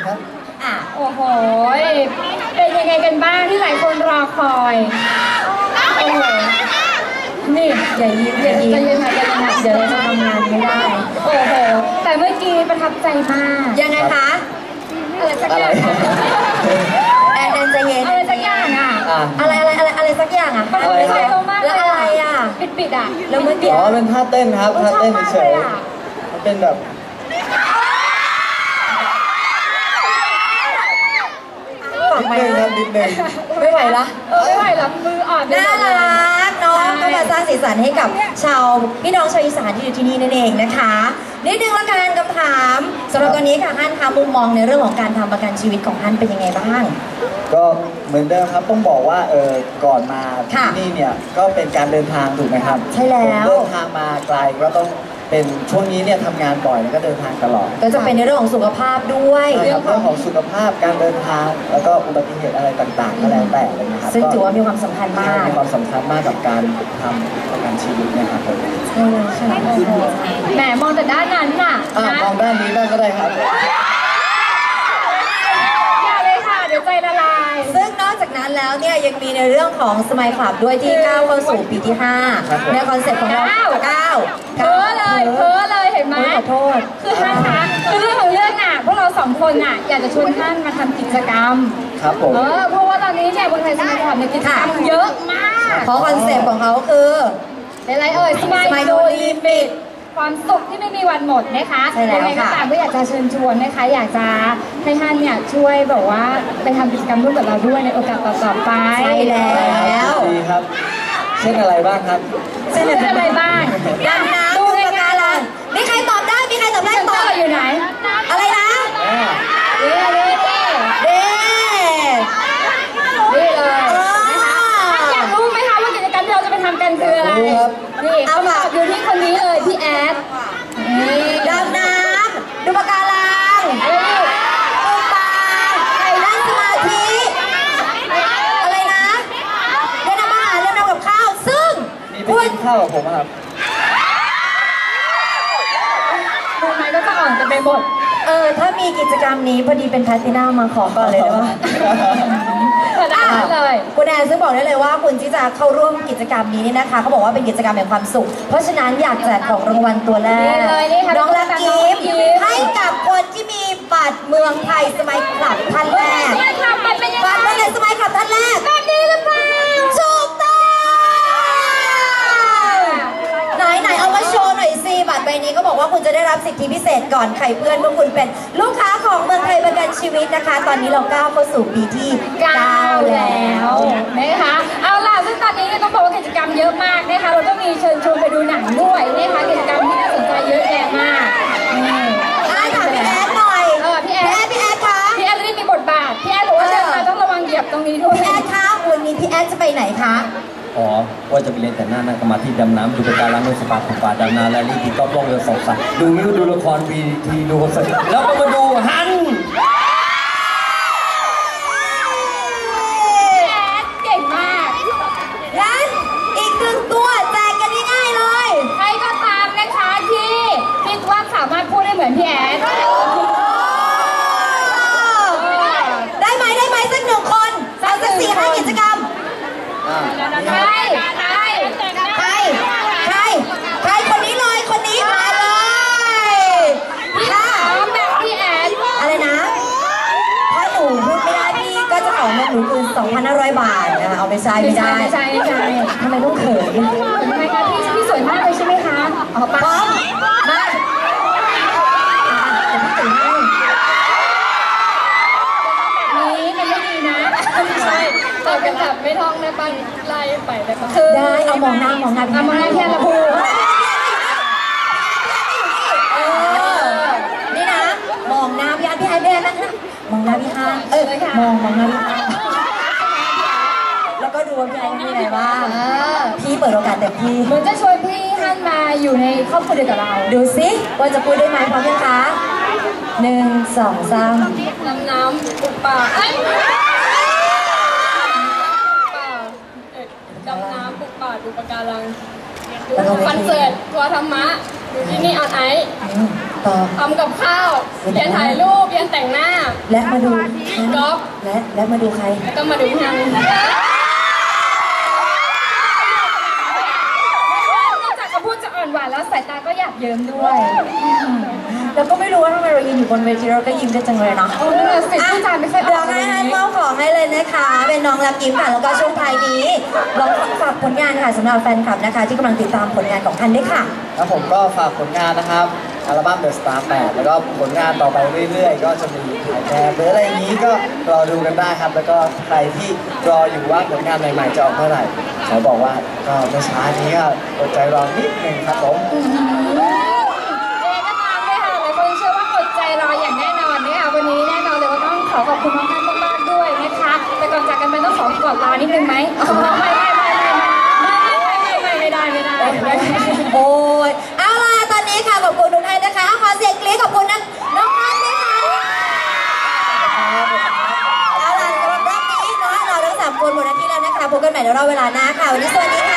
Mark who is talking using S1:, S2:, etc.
S1: ครับ
S2: โอ้โหเป็นยังไงกันบ้างที่หลายคนรอคอยโอ้โหนี่อย่ายิ้มจะยังไงกันนะเดี๋ยวเราจะทำงานไม่ได้โอ้โหแต่เมื่อกี้ประทับใจมาก
S3: ยังไงคะ
S2: อะไรสักอย่าง
S3: แอนใจเย็น
S2: อะไรสักอย่าง
S3: อะไรสักอย่างอ่ะ
S2: ประทับใจมาก
S3: แล้วอะไรอ่ะ
S2: ปิดอ่ะ
S3: แล้วเมื่อกี้
S1: เป็นท่าเต้นครับท่าเต้นเฉยๆมันเป็นแบบนิดนึง
S3: ไม่ไหวละ
S2: ไม่ไหวละมืออ่อน
S3: น่ารักน้องก็มาสร้างสีสันให้กับพี่น้องชาวอีสานที่อยู่ที่นี่นั่นเองนะคะนิดนึงละกันคำถามสำหรับตอนนี้ค่ะฮั่นคะมุมมองในเรื่องของการทำประกันชีวิตของฮั่นเป็นยังไงบ้าง
S1: ก็เหมือนเดิมครับต้องบอกว่าก่อนมาที่นี่เนี่ยก็เป็นการเดินทางถูกไหมครับ
S3: ใช่แล้ว
S1: เดินทางมาไกลก็ต้องเป็นช่วงนี้เนี่ยทำงานบ่อยแล้วก็เดินทางตลอด
S3: ก็จะเป็นในเรื่องของสุขภาพด้วย
S1: เรื่องของสุขภาพการเดินทางแล้วก็อุบัติเหตุอะไรต่างๆก็แล้วแต่เลยนะครับ
S3: ซึ่งถือว่ามีความสำคัญมาก
S1: มีความสำคัญมากกับการทำประกันชีวิตนะครับ
S3: ใช่เลยค่ะ
S2: แหมมองแต่ด้านนั้นน่ะ
S1: มองด้านนี้บ้างก็ได้ครับ
S2: อย่าเลยค่ะเดี๋ยวใจละลาย
S3: ซึ่งนอกจากนั้นแล้วเนี่ยยังมีในเรื่องของสมัยคลับด้วยที่ก้าวเข้าสู่ปีที่5ในคอนเซ็ปต์ของเรา
S2: เพ้อเลยเห็นไหม
S3: ขอโทษ
S2: คือท่านคะคือเรื่องของเรื่องอ่ะพวกเรา2 คนอ่ะอยากจะชวนท่านมาทำกิจกรรม
S1: ครับผม
S2: เพราะว่าตอนนี้เนี่ยบนไทยสมัยคลับในกิจกรรมเยอะมาก
S3: เพราะคอนเซ็ปต์ของเขาคือ
S2: อะไรสมัยโดลิมิตความสุขที่ไม่มีวันหมดนะคะยังไงก็ตามก็อยากจะเชิญชวนนะคะอยากจะให้ท่านเนี่ยช่วยแบบว่าไปทำกิจกรรมร่วมกับเราด้วยในโอกาสต่อๆไป
S3: ใช่แล้ว
S1: ดีครับเช่นอะไรบ้างครับ
S2: เช่นอะไรบ้าง
S3: ดำน้ำดูปะการังมีใครตอบได้ตอบ
S2: อยู่ไหน
S3: อะไรนะ
S2: นี่เลยอยากรู้ไหมคะว่ากิจกรรมที่เราจะไปทำกันคืออะไรนี่เอามาอยู่ที่คนนี้เลยพี่แอด
S3: ดำน้ำดูปะการังปูปลานั่งสมาธิอะไรนะเล่นอาหารเล่นกับข้าวซึ่ง
S1: คุณข้าวกับผมครับ
S2: ทำไมก็จะอ่อนกันไปหมด
S3: ถ้ามีกิจกรรมนี้พอดีเป็นแพลตินัมมาขอก่อนเลยได้
S2: เลย
S3: คุณแอนซึ่งบอกได้เลยว่าคุณที่จะเข้าร่วมกิจกรรมนี้นี่นะคะเขาบอกว่าเป็นกิจกรรมแห่งความสุขเพราะฉะนั้นอยากแจกของรางวัลตัวแรกน้องรักยิ้มให้กับคนที่มีบัตรเมืองไทยสมัยคลับท่านแรกบัตรเมืองไทยสมัยคลับท่านแรก
S2: แบบนี้หรือเปล่า
S3: ถูกต้องไหนเอามาโชว์หน่อยสิบัตรใบนี้ก็บอกว่าคุณจะได้รับสิทธิพิเศษก่อนใครเพื่อนเมื่อคุณเป็นลูกค้าของเมืองไทยประกันชีวิตนะคะตอนนี้เราก้าวเข้าสู่ปีที่9แล้ว
S2: นะคะเอาล่ะซึ่งตอนนี้ต้องบอกว่ากิจกรรมเยอะมากนะคะเราต้องมีเชิญชวนไปดูหนังด้วยนะคะกิจกรรมที่น่าสนใจเยอะแยะมาก
S3: ถามพี่แอดหน่อย
S2: พี่แอดคะพี่แอดได้มีบทบาทพี่แอดบอกว่าเดินมาต้องระวังเหยียบตรงนี้ด้วย
S3: พี่แอดคะวันนี้พี่แอดจะไปไหนคะ
S4: ว่าจะไปเรียนแต่หน้าก็มาที่ดำน้ำดูปะการังดูสปาของป่าดำน้ำและรีบต้องล่องเรือสองสัตว์ดูมิวดูละครวีทีดูคอนเสิร์ตแล้วก็มาดูฮัน
S2: เก่งมาก
S3: งั้นอีก1 ตัวแจกกันง่ายๆเลย
S2: ใครก็ตามนะคะที่คิดว่าสามารถพูดได้เหมือนพี่แอด
S3: ได้ไหมสัก1 คนเอาสัก4-5 กิจกรรมใครคนนี้เลยคนนี้มาเลย
S2: ค่ะแบบพี่แอด
S3: อะไรนะถ้าหนูพูดไม่ได้พี่ก็จะเอาเงินหนูคืน 2,500 บาทนะเอาไปใช้ไม่ได้ทำไมต้องเขิน
S2: ทำไมคะพี่สวยมากเลยใช่ไหมคะ
S3: พร้อมมาจะพี่ตื่นให้
S2: นี่มันไม่ดีนะใช่ตอบกันแบบไม่ท่องได้ป่ะไล่ไปได้ป่ะ
S3: ได้เอามองหน้า
S2: แค่ละพู
S3: นี่นะมองหน้าพี่ฮันนะมองหน้าพี่ฮันมองหน้าพี่ฮันแล้วก็ดูว่าพี่ฮันมีอะไรบ้างพี่เปิดโอกาสเต็มที่
S2: เหมือนจะชวนพี่ฮันมาอยู่ในครอบครัวเดียวกับเรา
S3: ดูสิว่าจะพูดได้ไหมพร้อมยังคะ1 2 3
S2: น้ำปุบปากดำน้ำปุบปากดูปะการังดูคอนเสิร์ตทัวร์ธรรมะดูที่นี่ออนไอซ์ทำกับข้าวเรียนถ่ายรูปเรียนแต่งหน้า
S3: และมาดู
S2: ก๊อฟ
S3: และมาดูใคร
S2: ก็มาดูทางนอกจากคำพูดจะอ่อนหวานแล้วสายตาก็หยาบเยิ้มด้วย
S3: แล้วก็ไม่รู้ว่าทำไมเรายืนอยู่บนเวทีเราก็ยิ้มได้จังเลยเนาะ
S2: โอ้นั่นแหละสิผู้จารไม่ค่อยอ
S3: เดี๋ย
S2: อ
S3: ว
S2: ก
S3: ให้ฮันมอบของให้เลยนะคะ เป็นน้องรักยิ้มค่ะ แล้วก็ช่วงท้ายนี้ลองฝากผลงานค่ะสำหรับแฟนคลับนะคะ ที่กำลังติดตามผลงานของฮันด้วยค่ะ
S1: แล้วผมก็ฝากผลงานนะครับอัลบั้ม The Star 8 แล้วก็ผลงานต่อไปเรื่อยๆ ก็จะมีถ่ายแบบหรืออะไรอย่างนี้ก็รอดูกันได้ครับ แล้วก็ใครที่รออยู่ว่าผลงานใหม่ๆจะออกเมื่อไหร่ขอบอกว่าก็ไม่ช้านี้ก็อดใจรอนิดนึงครับผม
S2: ก็ตามเลยค่ะหลายคนเชื่อว่าอดใจรออย่างแน่นอนนะคะวันนี้แน่นอนเลยว่าต้องขอขอบคุณน้องท่านมากๆด้วยนะคะแต่ก่อนจากกันไปต้องขอกอดลานิดนึงไหมไม่ได้
S3: โอ้ยเอาล่ะตอนนี้ค่ะขอบคุณทุกท่านนะคะขอเสียงกรี๊ดขอบคุณน้องนัทด้วยค่ะเอาล่ะสำหรับรอบนี้เนาะเราทั้ง3 คนหมดหน้าที่แล้วนะคะพบกันใหม่ในรอบเวลาหน้าค่ะวันนี้สวัสดีค่ะ